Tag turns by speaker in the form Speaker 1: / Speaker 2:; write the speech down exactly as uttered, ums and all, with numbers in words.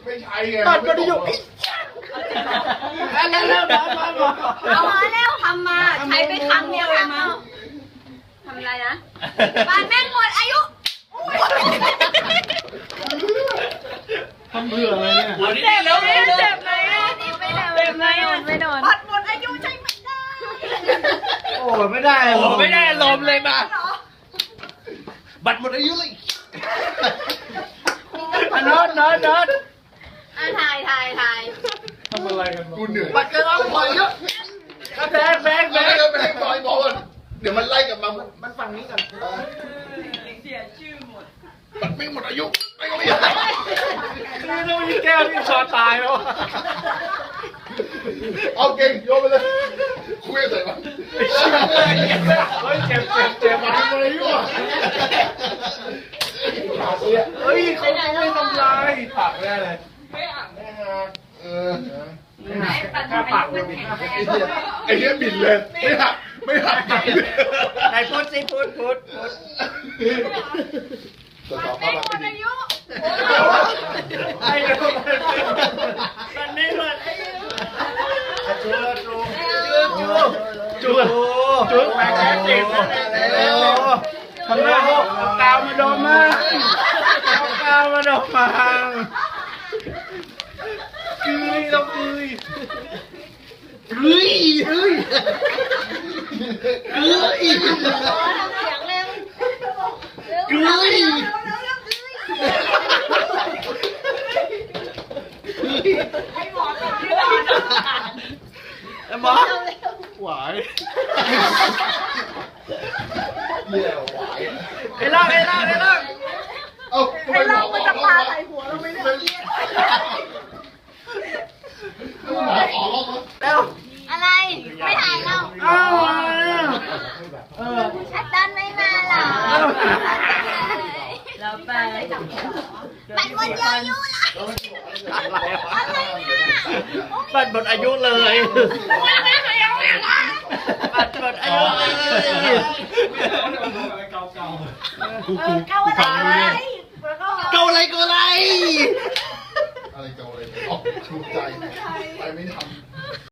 Speaker 1: ไม่ใช่ไง
Speaker 2: บัตรหมดอายุแล้วแล้วแล้วมามา
Speaker 3: เอามาแล้วทำมาใช้ไปครั้งเดียวเองมั้งทำอะไรนะบ้านแม่งหมดอายุ
Speaker 2: ทำเบื่ออะไรเนี่ย
Speaker 4: เอาดิเร็วเร็ว
Speaker 3: เจ็บไหมเจ็บไหมไม่โดนบัตรหมดอายุใช่ไม่ได้
Speaker 2: โอ้ไม่ได้
Speaker 4: โอ้ไม่ได้ลมเลยมาบัตรหมดอายุเลย
Speaker 2: นอนนอนนอน
Speaker 3: อ่ะถ่ายถ่ายถ่าย
Speaker 2: ทำอะไรกัน
Speaker 1: กูเหนื่อย
Speaker 2: บัตรจะเอาไปเยอะแบงแบงแบ
Speaker 1: แม่
Speaker 2: ง
Speaker 1: เดินไปให้บอยบอลเดี๋ยวมันไล่กลับมา
Speaker 2: มันฝั่งนี้กัน
Speaker 3: เสียชื่อหมด
Speaker 1: มันไม่หมดอายุไม่ก็ไม่ได้
Speaker 2: นี่ต้องมีแก้วที่ชอตายแล้ว
Speaker 1: เอาเก่งโยนไปเลยคุยใส่มัน
Speaker 2: เฮ้ยเจ็บเจ็บเจ็บ
Speaker 1: มันหมดอายุอ่ะ
Speaker 2: เฮ้ยเขาไม่ทำลายผักได้เลย
Speaker 1: เออ
Speaker 2: ถ้าผักเลย
Speaker 1: ไอ้เหี้ยบินเลยไม่หักไม่หัก
Speaker 2: ไหนพูดสิพูดพูดพูด
Speaker 1: ตัวต่อเข้ามาไม่ดี
Speaker 2: ไอ้ดูมันนี่มันจูจูจูจูจูแหวนแค่สิบแล้วทำหน้าพวกกาวมาโดนมากกาวมาโดนมากืยต้องกืยกืยกืยกืย
Speaker 3: เสียงเร็ว
Speaker 2: กืยหมอหวาย
Speaker 1: เหี้ยหวาย
Speaker 2: ไอ้ล่างไอ้ล่างไอ้ล่าง
Speaker 1: เอ้าทำไมหมอมันจะปาใส่หัวเราไม่ได้หมอออกแล้ว
Speaker 2: แล้ว
Speaker 3: อะไร ไม่ถ่ายเรา
Speaker 2: อ้าวเออ
Speaker 3: ชัดดันไม่มาหรอเราไปบัตรหมดอายุละ
Speaker 2: อะไรวะ
Speaker 3: อะไรเนี่ย
Speaker 2: บัตรหมดอายุเลยบัตรหมดอายุเลย
Speaker 3: เกาอะไร
Speaker 2: เกาอะไรเกาอะไร
Speaker 1: อะไรเกาอะไรออกถูกใจไปไม่ทำ